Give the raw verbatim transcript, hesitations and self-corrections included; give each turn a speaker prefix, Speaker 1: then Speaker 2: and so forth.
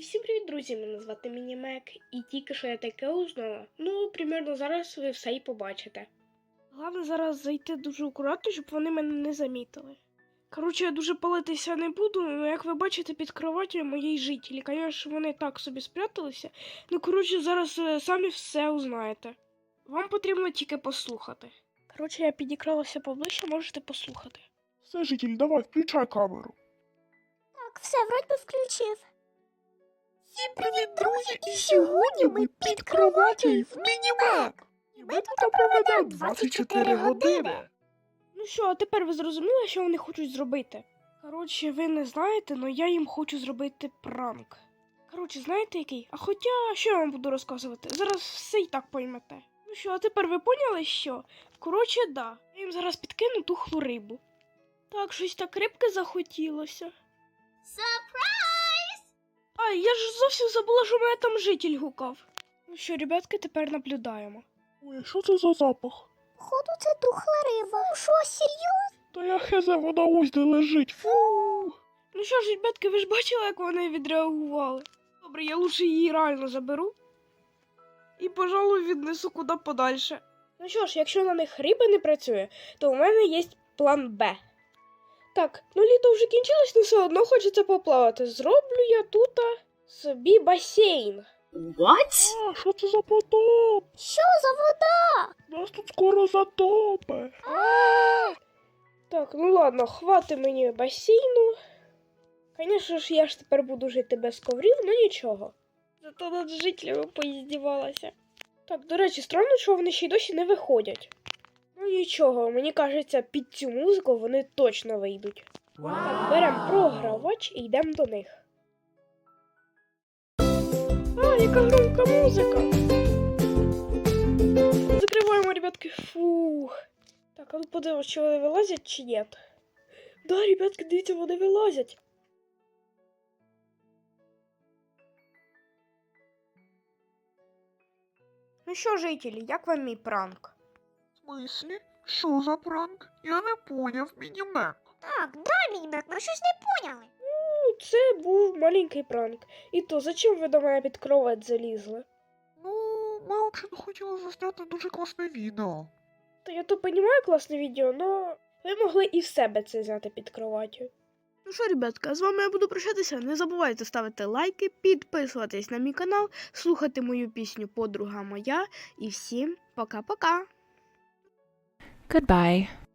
Speaker 1: всім привіт, друзі! Мене звати Мінімек, і тільки що я таке узнала. Ну, примерно зараз ви все і побачите. Головне зараз зайти дуже акуратно, щоб вони мене не замітили. Коротше, я дуже палитися не буду, але як ви бачите, під кроваттю моєї жителі. Звісно, вони так собі спряталися. Ну, коротше, зараз ви самі все узнаєте. Вам потрібно тільки послухати. Коротше, я підікралася поближче, можете послухати.
Speaker 2: Все, житель, давай, включай камеру.
Speaker 3: Так, все, вроді би включив.
Speaker 2: Всім привіт, друзі! І сьогодні ми під кроваттю в Мінімек. І ми тут проведемо двадцять чотири години.
Speaker 1: Ну що, а тепер ви зрозуміли, що вони хочуть зробити? Коротше, ви не знаєте, але я їм хочу зробити пранк. Коротше, знаєте який? А хоча, що я вам буду розказувати? Зараз все і так поймете. Ну що, а тепер ви поняли, що? Коротше, да. Я їм зараз підкину тухлу рибу. Так, щось так рибки захотілося.
Speaker 3: Сюрприз!
Speaker 1: Ай, я ж зовсім забула, що мене там житель гукав. Ну що, ребятки, тепер наблюдаємо.
Speaker 2: Ой, що це за запах?
Speaker 3: Походу, це тухла риба. Ну що, серйозно?
Speaker 2: Та я хезе, вона ось де лежить. Фу.
Speaker 1: Ну що ж, ребятки, ви ж бачили, як вони відреагували? Добре, я лучше її реально заберу. І, пожалуй, віднесу куди подальше. Ну що ж, якщо на них риба не працює, то у мене є план Б. Так, ну літо вже кінчилось, але все одно хочеться поплавати. Зроблю я тут собі басейн.
Speaker 3: What?
Speaker 2: А, що це за потоп?
Speaker 3: Що за вода?
Speaker 2: Нас тут скоро затопе.
Speaker 1: Так, ну ладно, хвати мені басейну. Звісно ж, я ж тепер буду жити без коврів, ну нічого. Зато над жителями поіздівалася. Так, до речі, странно, що вони ще й досі не виходять. Ну нічого, мені кажеться, під цю музику вони точно вийдуть. Так, беремо програвач і йдемо до них. А, яка громка музика! Закриваємо, ребятки, фух. Так, а ну подивимось, чи вони вилазять, чи ні. Да, ребятки, дивіться, вони вилазять. Ну що, жителі, як вам мій пранк?
Speaker 2: В смислі? Що за пранк? Я не поняв, Мінімек.
Speaker 3: Так, да, Мінімек, ми щось не поняли.
Speaker 1: Ну, це був маленький пранк. І то, зачем ви до мене під кровать залізли?
Speaker 2: Ну, ми взагалі хотіли засняти дуже класне відео.
Speaker 1: Та я то понімаю класне відео, но ви могли і в себе це зняти під кроваттю. Ну що, ребятка, з вами я буду прощатися. Не забувайте ставити лайки, підписуватись на мій канал, слухати мою пісню «Подруга моя». І всім пока-пока!
Speaker 4: Goodbye.